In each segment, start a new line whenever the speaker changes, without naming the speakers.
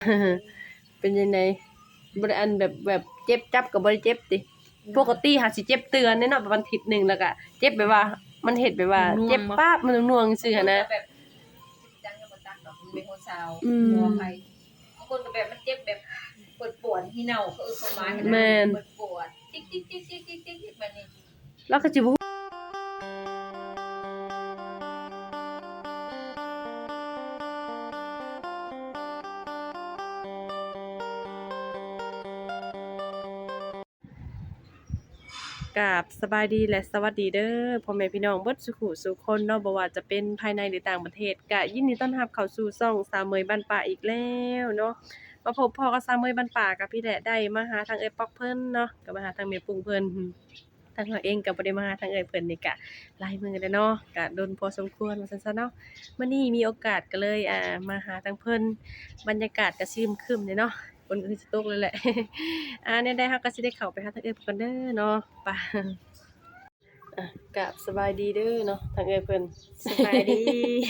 เป็นยังไงบ่ได้อันแบบเจ็บจับก็บ่ได้เจ็บติปกติหาสิเจ็บเตือนแน่เนาะประมาณอาทิตย์นึงแล้วก็เจ็บแบบว่ามันเฮ็ดแบบว่าเจ็บป๊าบมันน่วงๆซื่อหั่นนะ
แบบจังยังบ่ตักดอกเป็นคนสาว
อืม
บ่ใครบางคนก็แบบมันเจ็บแบบปวดที่เน่าเขาเข้ามาให้
แม่น
ปวดจิ๊กๆๆๆๆๆแบบนี้
แล้วก็สิบ่กราบสบายดีและสวัสดีเด้อพ่อแม่พี่น้องเบิดสุขุสุขคนเนาะบ่ว่าจะเป็นภายในหรือต่างประเทศก็ยินดีต้อนรับเข้าสู่ช่องสาวเมยบ้านป่าอีกแล้วเนาะมาพบพ่อกับสาวเมยบ้านป่ากับพี่แหละได้มาหาทางเอ้ยป๊อกเพิ่นเนาะก็มาหาทางแม่ปุ้งเพิ่นทางเราเองก็บ่ได้มาหาทางเอ้ยเพิ่นนี่ก็หลายมื้อแล้วเนาะก็โดนพอสมควรว่าซั่นซะเนาะมื้อนี้มีโอกาสก็เลยมาหาทางเพิ่นบรรยากาศก็ครึมๆเลยเนาะฝนก็สิตกเลยแหละ แนวใดเราก็สิได้เข้าไปหาทางเอ้ยเพิ่นก่อนเด้อเนาะไป กับสบายดีเด้อเนาะทางเอ้ยเพิ่น
สบายดี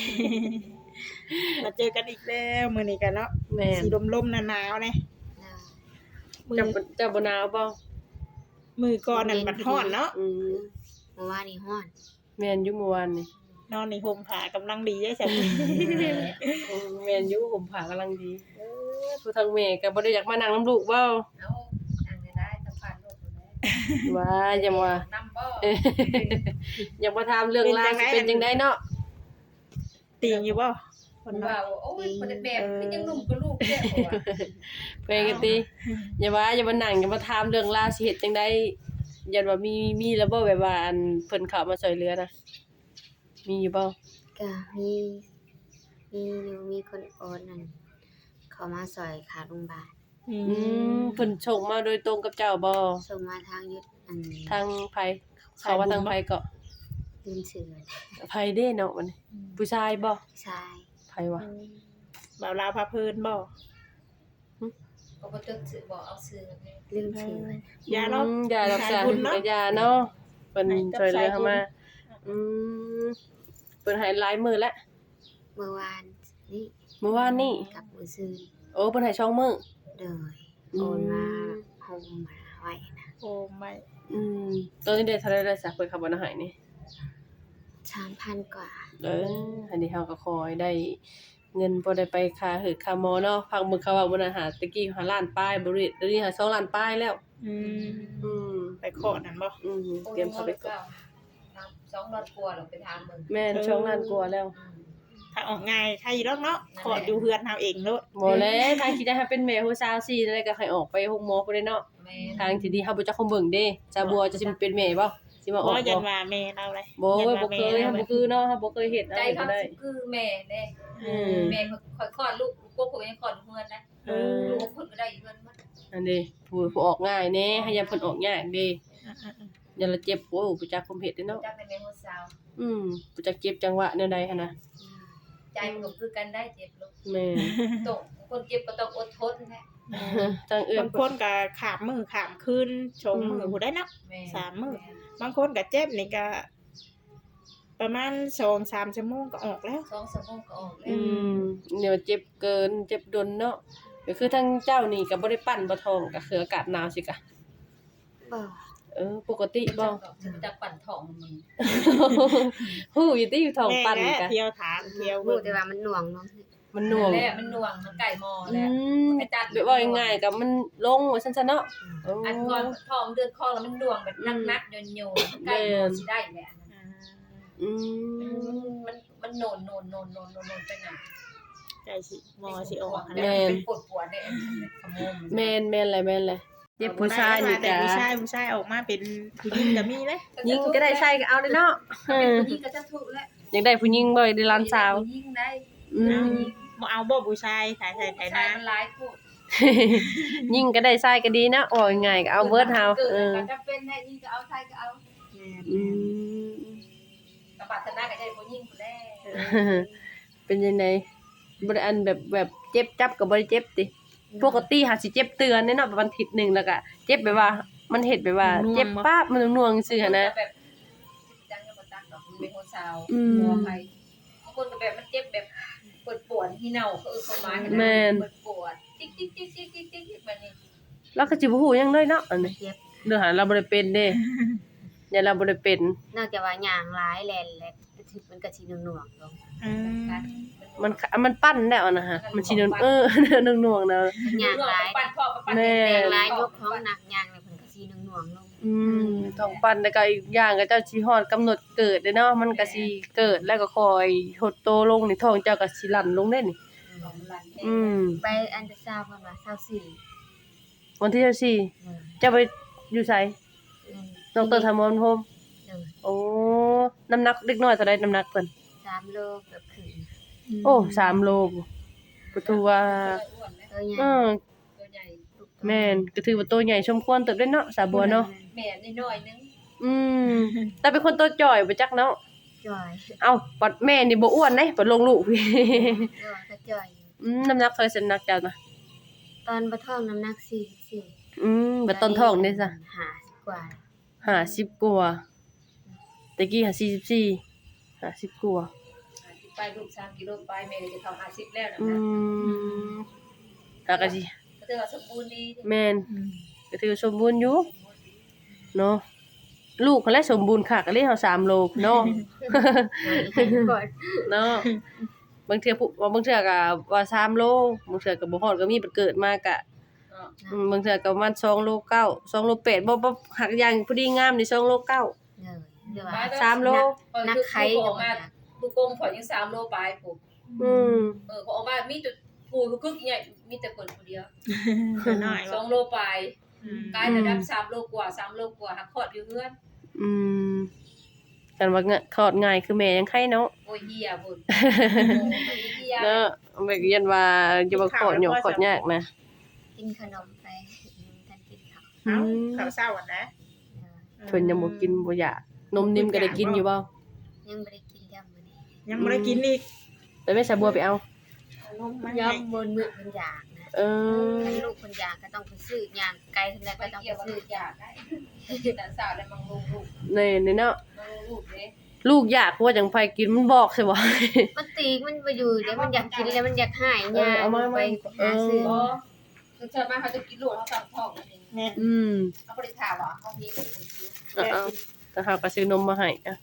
มาเจอกันอีกแล้วมื้อนี้กันเนาะ
แม่น
สีลมๆหนาวๆแน่มือ
เจ้าบ่หนาวบ่
มือก่อนนั่นบัดฮ้อนเนาะ
อืม
เมื่อวานนี่ฮ้อน
แม่นอยู่เมื่อวานนี่
นอนในห่มผ้ากำลังดีได้ซั่น
แม่นอยู่ผมผากำลังดีผู้ทางแม่ก็บ่ได้อยากมานั่งนํลูกเว้า
เอาอันนี้ได้สะพานรถอยู่แล้ว
ว่าอย่ามา
นำบ่
อย่ามาถามเรื่องราวสิเป็นจังไดเนาะ
ตีงอยู่บ่ค
คน
น
ว่า
เนาะ
โอ้ยคนแบบคือยังหนุ่มกับลูกแท้บ่ว่า
เพิ่นก็ติอย่ามานั่งอย่ามาถามเรื่องราวสิเฮ็ดจังได๋ยันว่ามีแล้วบ่แบบว่าอันเพิ่นเข้ามาช่วยเหลือนะมีอยู่บ่
ก็มีคนโอนนั่นเขามาซอยขาโรงพยาบาล
อื
อืมเพิ่นส่งมาโดยตรงกับเจ้าบ่
ส่งมาทางยุทธ
ทางไผเขาว่าทางไผก็
ลืมชื่อ
ไผเด้เนาะมันผู้ชายบ่
ชาย
ไผวะ
บ่าวลาวพาเพลินบ่
ก็บ่ตึกซื้อบ่เอาซื้อกันเลย
ลืมชื่อ
ยาเนาะ
ยารักษา
สายบุญเนาะ
ยาเนาะเพิ่น
ให้กับ
ช่วยเหลือ
สายบุญ
เข้ามาอืมเพิ่นให้หลายมื้อแล้ว
เมื่อวานนี่
เมื่อวานนี้
กับมื้อซื่น
โอ้เพิ่นให้ช่องมื้อ
โดยโอนมาห่มมาไว้นะ
โอ้ไม่
อืมตอนนี้ได้เท่าไหร่แล้วสักเพิ่นขับบ่ให้นี่
3,000 กว่า
อันนี้เฮาก็ขอให้ได้เงินบ่ได้ไปค่าค่าหมอเนาะพักมื้อเขาว่าบ่น่าหาตะกี้หาล้านปลายบ่ได้เดี๋ยวนี้หา2ล้านปลายแล้ว
อืม
อืม
ไปขอนั่นบ่
เตรียมเข้าไปก่อน
2 รถกลัวเราไปทางมึง
แม่น2ล้านกว่าแล้ว
ถ้าออกง่ายใครอยู่ดอกเนาะขออยู่เฮือนเฮาเองโลด
บ่แล้วทางที่ได้ให้เป็นแม่ฮู้สาวซี่ได้ก็ให้ออกไปโรงหมอพุ่นเด้เนาะ
แม่
ทางที่ดีเฮาบ่จักคงเบิ่งเด้ซาบัวจะสิเป็นแม่บ่สิมาอ
บ่
อก
ยั
บ่
นว่าแม่เราเลย
บ่
ยัน
บ่
ว่า
เคย
แม่
เฮา
เรา
บ่คือเนาะเฮาบ่เคยเฮ็ด
ใจ
อะไร
เขา
ก็ได้
คือแม่เด้
อืม
แม่ค่อยคลอดลูกพวกผมยังคลอดเฮือนนะ
เออ
ลูกคนก็ได้เฮือนหมด
อันนี้ผู้ออกง่ายแน่ให้ยาเพิ่นออกยากเด้อย่าละเจ็บโอ้บ่จักคุมเฮ็ดเด้เนาะ
จักเป็นแม่คนสาว
บ่จักเจ็บจังหวะแนวใดหั่นน่ะ
ใจมันก็คือกันได้เจ็บลูก
แม่
ต้องคนเจ็บก็ต้องอดทนแหละ
ทางเอื้อบ
างคนก็ขามมือขามคืนชงมือผู้ได้เนาะ
แม่
3 มื้อ บางคนก็เจ็บนี่ก็ประมาณ2-3 ชั่วโมงก็ออกแล้ว
2 ชั่วโมงก็ออกแล้
อื
ว
มเดี๋ยวเจ็บเกินเจ็บดนเนาะก็คือทางเจ้านี่ก็บ่ได้ปั้นบ่ท้องก็คืออากาศหนาวสิกะ
บ่
ปกติบ่
จะปั่นท้องมึง
ฮู้อยู่ติอยู่ท้องปั้น
แม่
กะ
เที่ยวถามเที่ยว
รู้
เบิ่ง
แต่ว่ามันหน่วงเนาะ
มันหน่วง
แหละมันหน่วงมันไก่มอ
อื
แล้ว
ม
ไปจัด
แบบว่าง่ายๆก็มันลงว่าซั่นซะเนาะ
อันก่อนท้องเดือนคลอดแล้วมันหน่วงแบบนักๆโยนๆไก่มอสิได้แหละ
อืม
มันโนนไปหน่ะ
ใจสิหมอสิออก
แม่
เป็นปวดๆเนี่ยขโมย
แม่นแหละเจ็บผู้ชายนี่
แต่
ก็
ผู้ชายออกมาเป็นผู้หญิงก็มีเลย
ยิงก็ได้ใช้ก็เอาเลยเนาะ
เป็นผู้หญิงก็จะถูกแล้ว
อยากได้ผู้หญิงบ่อยได้หลานสาว
ผู้หญิงได้
อืม
บ่เอาบ่ผู้ชายถ่ายไถ
ชาย
นา
มันร้ายพูด
ยิงก็ได้ใช้ก็ดีนะโอ้ยง่ายก็เอาเบิดเฮา
เกิดก็จะเป็นได้ยิงก็เอาชายก็เอา
อืม
กระบาดชนะก็ได้ผู้หญิงผู้แรก
เป็นยังไงบ่ได้อันแบบเจ็บจับก็บ่ได้เจ็บติปกติหาสิเจ็บเตือนแน่เนาะประมาณอาทิตย์นึงแล้วก็เจ็บแบบว่ามันเฮ็ดแบบว่าเจ็บป๊าบมันน่วงซื่อหั่นนะ
แบบจังยังบ่ตักดอกเป็นคนสาว
อืม
บ่ใครบางคนก็แบบมันเจ็บแบบปวดที่เน่าเขาเข้ามาปวดจิ๊จิ๊กแบบนี้
เราก็สิบ่ฮู้หยังเลยเนาะอันนี้
เจ็บ
เรื่องหาเราบ่ได้เป็นเด้อย่าเราบ่ได้เป็น
นอกจากว่าย่างหลายแลนแหละมันก็สิหน่วงๆลง
อืม
มันปั้นแล้วนะฮะมันสิหน่วงๆนะ
ย่างหลาย
ปั่นพ่อปั่น
แม่
ย่างหลายยกของหนักย่างแล้วเพิ่นก็สิหน่วงๆลง
ท้องปั้นแล้วก็อีกอย่างก็เจ้าสิฮอดกำหนดเกิดเด้เนาะมันก็สิเกิดแล้วก็ค่อยหดโตลงนี่ท้องเจ้าก็สิลั่นลงเด้นี่
ไปอันเดอร์ซาวด์เพิ่นว่า24
วันที่14เจ้าไปอยู่ไสดรธรรมนพรหมโอ้น้ำหนักเล็กน้อยเท่าใดน้ำหนักเพิ่น
3โลเกือบครึ่ง
โอ้3โลก็ถือว่า
ตัวใหญ่
ตัวใหญ่
แม่นก็ถือว่าโตใหญ่สมควรเติบได้เนาะสาบัวเนาะ
แม่น้อยนึง
แต่เป็นคนโตจ่อยบ่จักเนาะ
จ่อย
เอ้าปัดแม่นี่บ่อ้วนเด้ปัดลงลูกพี่
ก็จ่อยอยู่
น้ำหนักเท่าไหร่น้ำหนักเจ้าน่ะ
ตอนบ่ท้องน้ำหนัก44
บัดต้นท้องนี่ซะ
50กว่า
50กว่าตะกี้44 50กว่า
ไปลูก3กิโลไปแม่ก็จะเข้า50แล้วนะ
ถ้าก็สิ
ก็ถือว่าสมบูรณ์ดี
แม่นก็ถือว่าสมบูรณ์อยู่เนาะลูกเขาแลสมบูรณ์คักก็เลยเฮา3โลเนาะ
ก่อน
เนาะบางเทื่อผู้บางเทื่อก็ว่า3โลบางเทื่อก็บ่ฮอดก็มีเกิดมาก็บางเทื่อก็ประมาณ2โล9 2โล8บ่หักอย่างพอดีงามนี่2โล9
เดี๋ยวว่า
3โล
นักไข่ก็มา
ลูกกงขอยัง3โลปลายปุ๊บ พอออกมามีแต่ปูกึกใหญ่มีแต่คนผู้เดียว
น้อย
2โลปลายกายระดับ3โลกว่า3โลกว่าหักคอดอยู่เฮือน
กันว่าคลอดง่ายคือแม่ยังไข่เนาะ
โอ้ยเหี้ยพุ่นเหี้ย
เนาะแบบยันว่าจะบ่คลอดหยอกคลอดยากนะ
กินขนมไปทันกินข้าว
เอ้าข้าวเช้าอ่ะนะ
เพิ่นยังบ่กินบ่อยากนมนิ่มก็ได้กินอยู่บ่
ยังบ่ได้กินยำมื้อนี้
ยังบ่ได้กินอีก
แต่แม่สะบัวไปเอา
นมมาให้
ยำบนมื้อเพิ่นอยากนะ ถ้าลูกเพิ่นอยากก็ต้องไปซื้อย่างไกลเท่าใด
ไป
ก็ต้อง
เกี่ยว
ไป
กับ
ซื้อ
ลูกอยากได้แต่สาวได้มังลูก
นี่เนาะ
ลูกเด้
ลูกอยากว่าจังไผกินมันบอกใช่บ่
มันตีมันบ่อยู่เดี๋ยวมันอยากกินแล้วมันอยากหาย
เอามา
ไปหาซื้อ
บ่คือชาวบ้านเขาจะกินลูกเขาสั่งท้องนั่นเอง
แม่
เขาบ่ได้ถามว่าเขามีลูกคนซื้อ
เอาแต่เฮาก็ซื้อนมมาให้อะ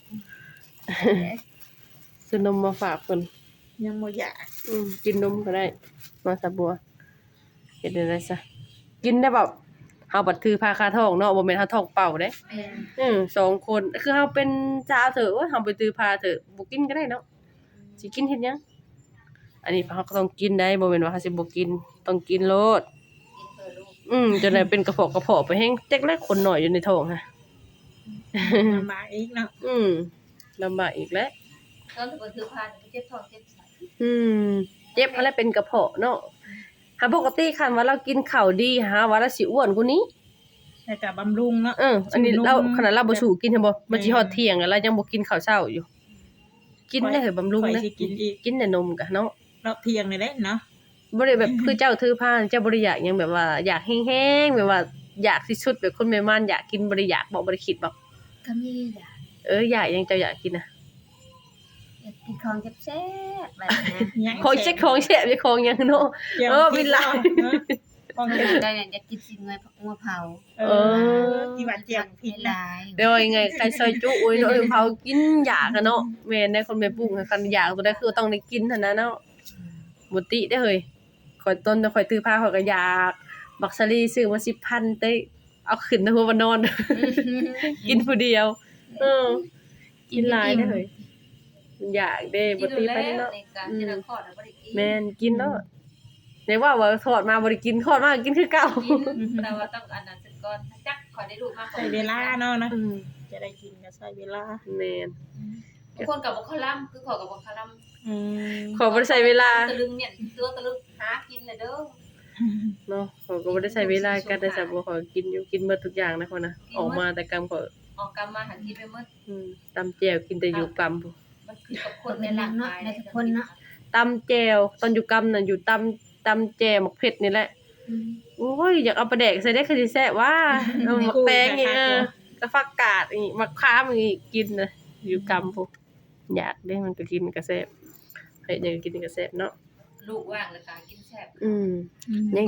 ซื้อนมมาฝากเพิ่น
ยังบ่อยาก
กินนมก็ได้มาสะบัวเฮ็ดได้ซะกินได้แบบเฮาบัดถือพาคาท้องเนาะบ่แม่นเฮาท้องเปล่าเด้
แม่
2คนคือเฮาเป็นสาวเถอะโอ้ยเฮาไปตือพาเถอะบ่กินก็ได้เนาะสิกินเฮ็ดหยังอันนี้เฮาก็ต้องกินได้บ่แม่นว่าเฮาสิบ่กินต้องกินโลด
กินเพื่อลูก
จนได้เป็นกระเพาะไปแฮงจักแลคนน้อยอยู่ในท้องฮะ
ลำบากอีกเนาะ
ลำบากอีกแล้ว
ตอนถือพานเจ็บท้องเจ็บไส้
เจ็บอะไรเป็นกระเพาะเนาะหาปกติคันว่าเรากินข้าวดีหาว่าเราสิอ้วนกว่านี้
แต่ก็บำรุงเนาะ
อันนี้เราขนาดเราบ่สู่กินใช่บ่มันสิ
แม่
ฮอดเที่ยงแล้วเรายังบ่กินข้าวเช้าอยู่ กินได้เหรอบำรุง
ข่อย
นะ
สิกินอีก
กินแต่นมกะเนาะ
รอบเที่ยงนี่แหละเนาะ
บ่ได้แบบคือเจ้าถือผ้าเจ้าบ่ได้อยากหยังแบบว่าอยากแห้งๆแบบว่าอยากที่สุดแบบคนแม่ม่านอยากกินบ่ได้อยากบ่ได้คิดบ่
ก็มีอยาก
อยากหยังเจ้าอยากกินน่ะ
อยากกินของแซ่บๆแบบนี้
ยัง
ของเช็คของแซ่บของหยังเนาะ วิลา
ของ
อ
เฮ็ด
ได้อยากกินสิเงยงัวเผา
ที่ว่าเจียงผิด
ห
นะ
ลาย
เดี๋ยวยังไงใครซอยจุอุ้ยเนาะเผากินอยากอะเนาะแม่นได้คนแม่ปลูกคันอยากตัวใดคือต้องได้กินเท่านั้นเนาะบ่ติได้เฮ้ยข่อยต้นข่อยตื้อผ้าข่อยก็อยากบักซะลีซื้อมา10,000เต้เอาขึ้นนะหัวบ่นอน กินผู้เดียวกินหลายได้เฮ้ยอยากเด้บ่ติไปเนาะ
ในการที่เราคลอดเราบ่ได้กิน
แม่นกินเนาะได้ว่าทอดมาบ่ได้กินทอดมากินคือเก่า
แต่ว่าต้องอันนั้นสักก่อนจักขอได้ลูกมาก
ใช้เวลาเนาะนะจะได้กินก็ใช้เวลา
แม่น
บางคนกับบ่คลัมคือขอกับบ่คลัม
ขอบ่ได้ใช้เวลา
ตะลึงเนี่ยตัวตะลึงหากินเลยเด้อ
เนาะเขาก็บ่ได้ใช้เวลาการได้สับบ่ขอกินอยู่กินหมดทุกอย่างนะคนน่ะออกมาแต่กรรมก็
ออกกำมาหันกินไปหมด
ตำแจ่วกินแต่อยู่กรรมพุ่น
มันคือกับค
คน
น
ใน
ใน
หลั
ร่าง ง
เนาะ
กาย
ในทุกคนเนาะ
ตำแจ่วตอนอยู่กรรมน่ะอยู่ตำแจ่วหมักเผ็ดนี่แหละโอ้ยอยากเอาปลาแดกใส่ได้คือสิแซ่บว่าเอาหมักแตงอีกกระฟักกาดอีกมะขามอีกกินน่ะอยู่กรรมพุ่นอยากได้มันก็กินก็แซ่บให้อยากกินก็แซ่บเนาะ
ลูกว่างแล้วก็กินแซ่บ
ยัง
กด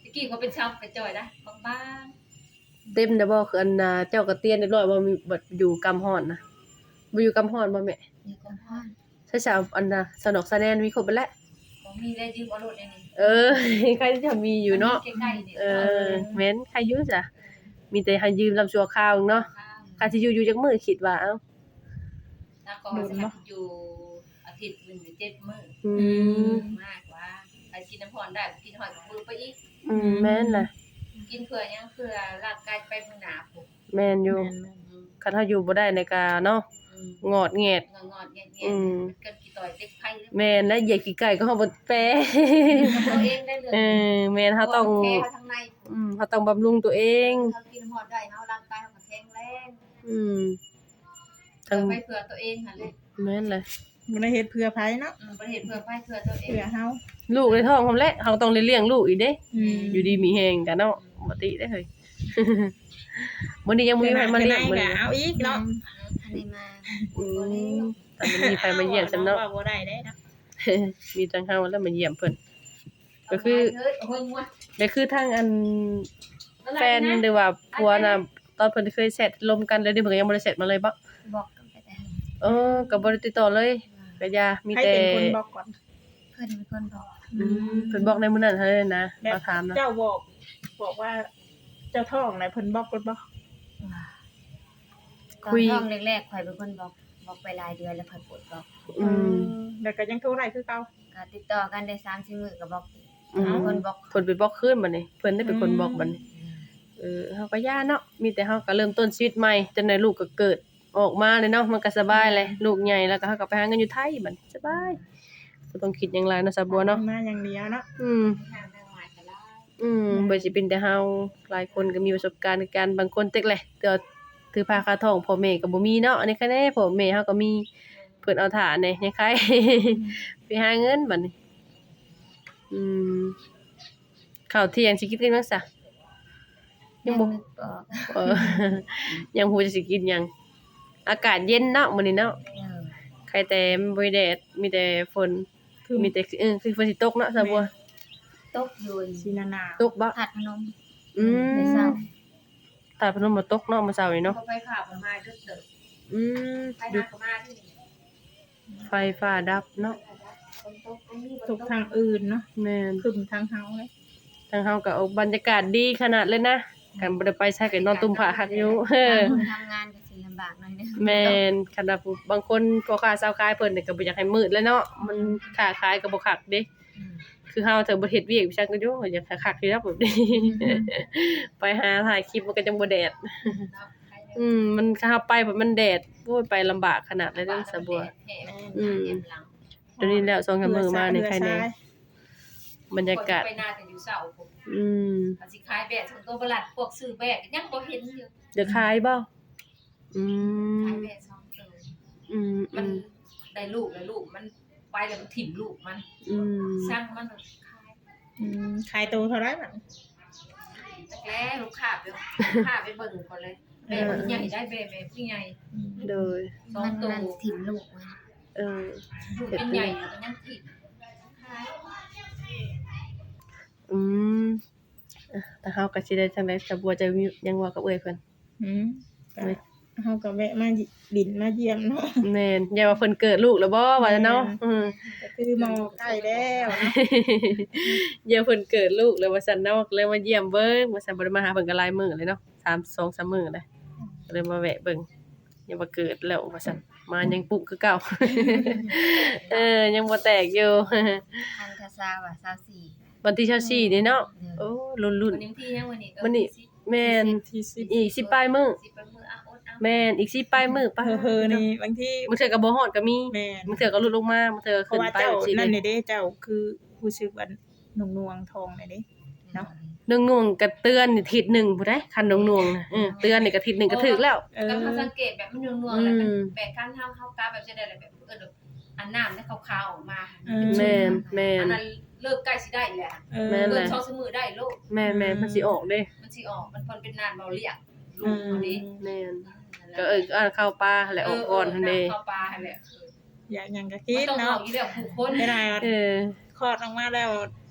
กี้เขาเป็นชาวกระจอยนะบาง
เต็มได้บ่คืออันน่ะเจ้าก็เตียนเรียบร้อยบ่มีบ่อยู่กำฮ้อนนะบ่อยู่กำฮ้อนบ่แม่
ๆนี่ก็ฮ้อน
ใช่สาวอันน่ะสนอกสะแนนมีครบเบิดแล้ว
ๆบ่มีได้ยืมเอารถได้นี่
ใครจะมีอยู่เนาะ
ใกล้ๆนี่
แม่นใครอยู่จ้ะมีแต่ให้ยืมลำชั่วคราวเนาะค่าสิอยู่จักมื้อคิดว่าเอ้า
แล้วก็อยู่อาทิตย์หนึงหรือ7มื้อ
อืม
มากกว่าไปกินน้ำพรได้กินหอยกับมือไปอีก
แม่นล่ะ
กินเพื่อยังเพื่อร่างกายไปมื้อหน้าพุ่น
แม่นอยู่คันเฮาอยู่บ่ได้ในกาเนาะงอดแงด
งอดๆแงะๆมันเกิดกี่ต่อยเต็กไผ
แม่นและเหยียดขี้ไก่ก็เฮาบ่แปร
ตัวเองได้เลย
แม่นเฮาต้อง
แก้ทางใน
เฮาต้องบำรุงตัวเอง
เฮากินน้ำพรได้เฮาร่างกายเฮาก็แข็งแรง
ทั้ง
ไปเพื่อตัวเองหั่นเลย
แม่นเลย
บ่ได้เฮ็ดเพื่อไผเนาะ
ประเทศเพื่อไปเพื่อตัวเอง
เพื่อเฮา
ลูกในท้องพร้อมแล้วเฮาต้องได้เลี้ยงลูกอีกเด้
อืม
อยู่ดีมีแฮงกันเนาะบ่ติได้เฮ้ย มื้อนี้ยังบ่มีใครมาเลี้ยงมื้อ
ก็
นี้
เอาอีกเนาะ
ทันได้มา
แต่บ่มีใครมาเยี่ยมฉันเนาะ
ว่าบ่ได้เด้เนาะ
มีทางเฮาแล้วมาเยี่ยมเพิ่นก็คือ
เฮ้ยโอ้ยงัว
ก็คือทางอันแฟนหรือว่าผัวน่ะตอนเพิ่นเคยแชทลมกันแล้วนี่เพิ่นก็ยังบ่ได้แชทมาเลยบ่
บอกกันไปแต่
ก็บ่ได้ติดต่อเลยก็อย่ามี
ใคร
แต่
เป็นคนบอกก่อน
เพิ่นเป็นคนบอก
เพิ่นบอกในมื้อนั้นเท่านั้นนะ
แบบ
มาถามนะ
เจ้าบอกว่าเจ้าท้องไหนเพิ่นบอกก่อนบ่
ตอนท้องแรกๆข่อยเป็นคนบอกไปหลายเดือนแล้วข่อยปวดบอก
แล้วก็ยังโทรได้คือเก่า
ก็ติดต่อกันได้3-4มื้อก็บอก
อืม
คนบอก
เพิ่นไปบอกคืนบัดนี้เพิ่นได้เป็นคนบอกบัดนี้เฮาก็ย่าเนาะมีแต่เฮาก็เริ่มต้นชีวิตใหม่จนได้ลูกก็เกิดออกมาเลยเนาะมันก็สบายเลยลูกใหญ่แล้วก็เฮาก็ไปหาเงินอยู่ไทยบัดนี้สบายบ่ต้องคิดหยังหลายเนาะสาวบัวเนาะ
มาอย่างเดียวเนาะ
ทางหมายกันแล้ว
บ่สิเป็นแต่เฮาหลายคนก็มีประสบการณ์ในการบางคนเต็กแหละแต่ว่าถือผ้าคาท้องพ่อแม่ก็บ่มีเนาะอันนี้คะแนพ่อแม่เฮาก็มีเพิ่นเอาท่าแหน่ยังใคร ไปหาเงินบัดนี้ข้าวเที่ยงสิกินกันจังซะยังบ่
นึกบอก
เออ ยังบ่จะสิกินหยังอากาศเย็นเนาะมื้อนี้เนาะใครแต่มันบ่มีแดดมีแต่ฝนมีแต่คือฝนสิตกเนาะสาวบัว
ตกอยู่
สีนานา
ตกบ่
ผัดพนม
อืม
ในเช้า
ตาพนมบ่ตกเนาะมื้อเช้านี้เนาะ
พอไปผ่าประมาณดึกเด้อ
อืม
ไปหาประมาณที่
ไฟฟ้าดับเนาะ
คนตกตรงนี้
ทุกทางอื่นเนาะ
แม่น
คึมทางเฮาเลย
ทางเฮาก็เอาบรรยากาศดีขนาดเลยนะกันบ่ได้ไปใช้กันนอนตุ่มผ้าคักอยู่
คนทำงานก็สิลำบากหน่อยเด้อ
แม่นขนาดผู้บางคนพ่อค้าชาวขายเพิ่นนี่ก็บ่อยากให้มืดเลยเนาะมันค้าขายก็บ่คักเด้ คือเฮาถ้าบ่เฮ็ดเวียกวิชาก็อยู่อยากคักๆอยู่แล้วแบบนี้ ไปหาถ่ายคลิปมันก็จังบ่แดด มันถ้าเฮาไปแบบมันแดดโอ้ยไปลำบากขนาดเลยเด้อสะบัว เดี๋ยวนี้แล้ว2-3มื้อมานี่ใครแน่บรรยากาศ
ไปหน้าแต่อยู่เสาผม
อืม
อาสิขายแบกส่วนตัวบลัดพวกซื้อแบกยังบ่เห็นอยู่
เดี๋ยวขายบ่อื
ขาม ยแบก2ตัว มันได้ลูกแล้วลูกมันไปแล้วมันถิ่มลูกมันสร้างมันขาย
ขายตัวเท่าไหร่บัด
แล้วลูกค้าไปเบิ่งก่อนเลยแบกใหญ่ได้แบกผู้ใหญ่
โดย
มันถิ่มลูกมัน
ลูกเป็นใหญ่มันยังถิ่มขาย
แต่เฮาก็สิได้จังได๋สะบัวจะมียังว่ากับเอ้ยเพิ่น
เฮาก็แวะมาดินมาเยี่ยมเนาะ
แม่นอย่าว่าเพิ่นเกิดลูกแล้วบ่ว่าเนาะ
ก็คือมอใกล้แล้วเนาะ
อย่าเพิ่นเกิดลูกแล้วว่าซั่นเนาะเลยมาเยี่ยมเบิ่งว่าซั่นบ่ได้มาหาเพิ่นก็หลายมื้อเลยเนาะ2-3มื้อเลยก็เลยมาแวะเบิ่งอย่าว่าเกิดแล้วว่าซั่นมายังปุกคือเก่า ยังบ่แตกอยู่
คันทศาว่า24
วันที่24นี่เนาะโอ้รุ่น
วันนี้ที่ยังวันนี้
ๆมื้อนี้แม่น
ที่10
อีก10ปลายมื้อ
สิเป็นมืออ่ะอดอ่ะ
แม่นอีก10ปลายมื้อป่ะ
เฮ้อๆนี่บางที
บางเทื่อก็บ่ฮอดก็มี
แม่น
บางเทื่อก็ลดลงมาบางเทื่อ
เพ
ขึ้
ราะ
น
ว่า
ไป
เจ้า
สิ
นั่น
เด้
นี่เด้เจ้าคือผู้ชื่อว่านุ่งนวงทองนี่เด้ เนาะ
หนึ่งหน่วงก็เตือนนี่ทิศหนึ่งผู้ใดคันหน่วงๆน่ะเตือนนี่ก็ทิศหนึ่งก็ถึกแล้ว
ก็เขาสังเกตแบบมันนัวๆแล้วแปลกการทำเข้ากาแบบจะได้แบบอันน้ำได้ขาวๆออกมา
แม่น
อันนั้นเลิกใกล้สิได้แหละ
แม่น
เลิ
แห
ก
ละ
ช่องสมือได้ลูก
แม่นมันสิออกเด้
มันสิออกมันเป็นนานเบาเรียกลูกคนนี้
แม่นก็อ่านเข้าป่าแหละออกก่อนหั่นเด้
เข้าปลาแหละ
อยากหยังก็
คิ
คิ
ด
ด
เนาะ
เนาะ
อีเดียวผู้คน
ไม่ได้ว่า
เออ
คลอดออกมาแล้ว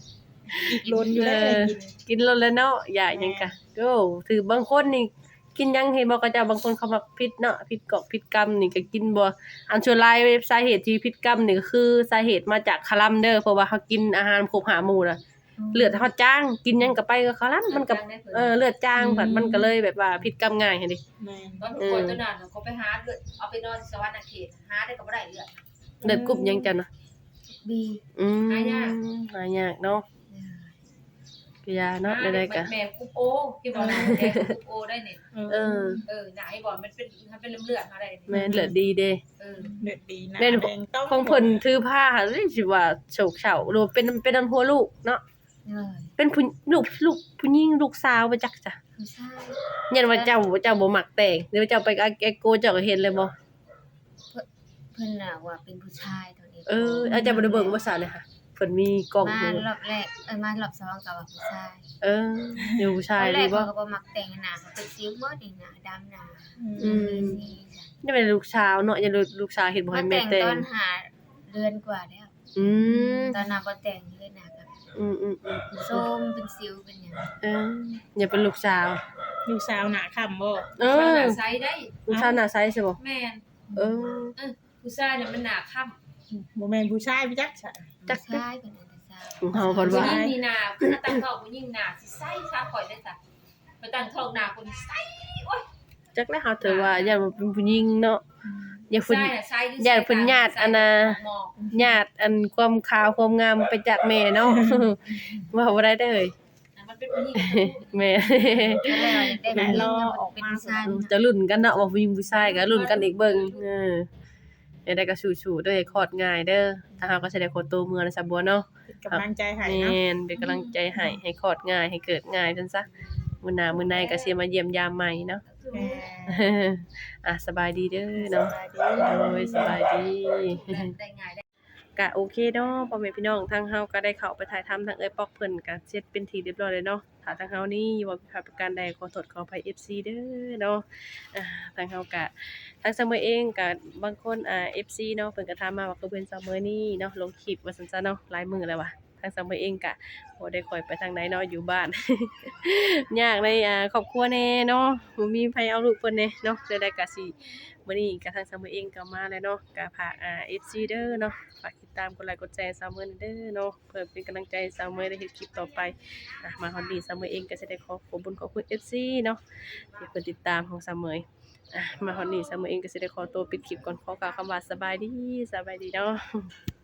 อีกโลนอยู่แล้ว
เออ
กิน
กินแล้วแหล้วเนาะอยากหยังกะโอ้ถือบางคนนี่กินหยังเห็นบ่เขาเจ้าบางคนเขามักพิษเนาะพิษกอกพิษกรรมนี่ก็กินบ่อันส่วนหลายสาเหตุที่พิษกรรมนี่ก็คือสาเหตุมาจากคาลัมเด้อเพราะว่าเขากินอาหารครบ5หมู่น่ะเลือดเขาจางกินหยังก็ไปก็คาลัมมันก็เลือดจางบัดมันก็เลยแบบว่าพิษกรรมง่ายหั่นดิ
แม่น
ตอนป่วยตัวนั้นเขาไปหาเลือดเอาไปนอนสวรรค์เขตหาได้ก็บ่ได้เลือด
เลือดกรุ๊ปหยังจังนะ
บี
หายาก
หายากเนาะก็ยาเนาะได้ๆก็
แม่คุปโอที่บอกนะแม่คุปโอได้เนี่ย
เออ
หนาให้บอกมันเป็นเลือดมาได้
แม่นเลือดดีเด้
เลือดดีนะ
แม่น
แดงต้อง
ของเพิ่นถือผ้าเฮ้ยสิว่าโศกเฉาหรือว่าเป็นอันหัวลูกเนาะ
เลย
เป็นลูกผู้หญิงลูกสาวบ่จักจ้ะ
ผู้ชาย
ยันว่าเจ้าบ่มักแต่งหรือว่าเจ้าไปกับแอโกเจ้าก็เห็นเลยบ่
เพิ่นน่ะว่าเป็นผู้ชายตัวนี้
อาจารย์บ่ได้เบิ่งภาษาเลยค่ะเพิ่นมีกล้อง
มา
อยู่
รอบแรกมารอบสองก็ว่าผู้ชาย
อยู่ผู้ชาย
ตอนแร
ดี
ก
บ่
เขาก็บ่มักแต่งหน้าเขาเป็นสิวหมดนี่หน้าดำหน้า
อืม
สีจ้ะ
นี่เป็นลูกสาวเนาะอย่าลูกสาวเห็นบ่
มา
ให้แม่
แต่ง
แต่
ตอง นหาเดือนกว่าแล้ว
อืม
ตอนน่ะบ่แต่งเลยหน้าก็
อืม
ส้มเป็นสิวเป็นหยัง
อย่าเป็นลูกสาว
ลูกสาวหน้าค่ำบ่
ไซได้
ลูกสาวหน้าใสใช่บ่
แม่น
เออ
ผู้ชายเนี่ยมันหนาค่ำ
บ่แม่นผู้ชายพี่จักจ้ะ
จัก
ผู้ชายเป็นอันตราซาวด์
ของเฮาเพิ่น
ผู้
ว่า
หญิงมีหนาถ้าตั้งท้องผู้หญิงหนาสิไส้ชาข่อยได้จ้ะไปตั้งท้องหนาคนไส้
จักแล้วเฮาถือว่าอย่าเป็นผู้หญิงเนาะอย่า
ไส้
เพิ่น
น่ะไส้
ญาติเพิ่นญาติอันน่ะ ญาติอันความขาวความงามไปจากแม่เนาะ ว่าบ่ได้เด้อ
มันเป็นผู้หญิง
แม่
แล้วได้ผู้หญิงเป็นผู้ชาย
จะลุ้นกันเนาะว่าผู้หญิงผู้ชายก็ลุ้นกันอีกเบิ่งได้ก็สู้ๆเด้อคลอดง่ายเด้อถ้าเฮาก็สิได้โคตรโตเมือนะซะบัวเนาะ
เป็นกำลังใจให้
แม่
เนาะ
นเป็นกำลังใจให้คลอดง่ายให้เกิดง่ายจังซะมื้อหน้ามื้อในก็สิมาเยี่ยมยามใหม่เนาะ
แม่
สบายดีเด้อเนาะ
สบายดี
โอ้ยสบายดี
ได้ง่ายได้
ก็โอเคเนาะพ่อแม่พี่น้องทางเฮาก็ได้เข้าไปถ่ายทำทางเอ้ยปอกเพิ่นก็เสร็จเป็นที่เรียบร้อยเลยเนาะถ้าทางเฮานี่ว่าผิดพลาดประการใดขอโทษขออภัย FC เด้อเนาะทางเฮาก็ทางเสมอเองก็บางคนFC เนาะเพิ่นก็ถามมาว่าคือเพิ่นเสมอนี่เนาะลงคลิปว่าซั่นซะเนาะหลายมื้อแล้วว่ะทางเสมอเองก็บ่ได้ค่อยไปทางไหนเนาะอยู่บ้าน ยากในครอบครัวแน่เนาะบ่มีไผเอาลูกเพิ่นแน่เนาะใดๆก็สิ มื้อนี้ก็ทางซามือเองก็มาแล้วเนาะก็ฝากFC เด้อเนาะฝากติดตามกดไลค์กดแชร์ซามือเด้อเนาะเพื่อเป็นกำลังใจให้ซามือได้เฮ็ดคลิปต่อไปมาฮอดนี้ซามือเองก็สิได้ขอขอบคุญขอบคุณ FC เนาะที่เพิ่นติดตามของซามือมาฮอดนี้ซามือเองก็สิได้ขอตัวปิดคลิปก่อนขอกล่าวคำว่าสบายดีเนาะ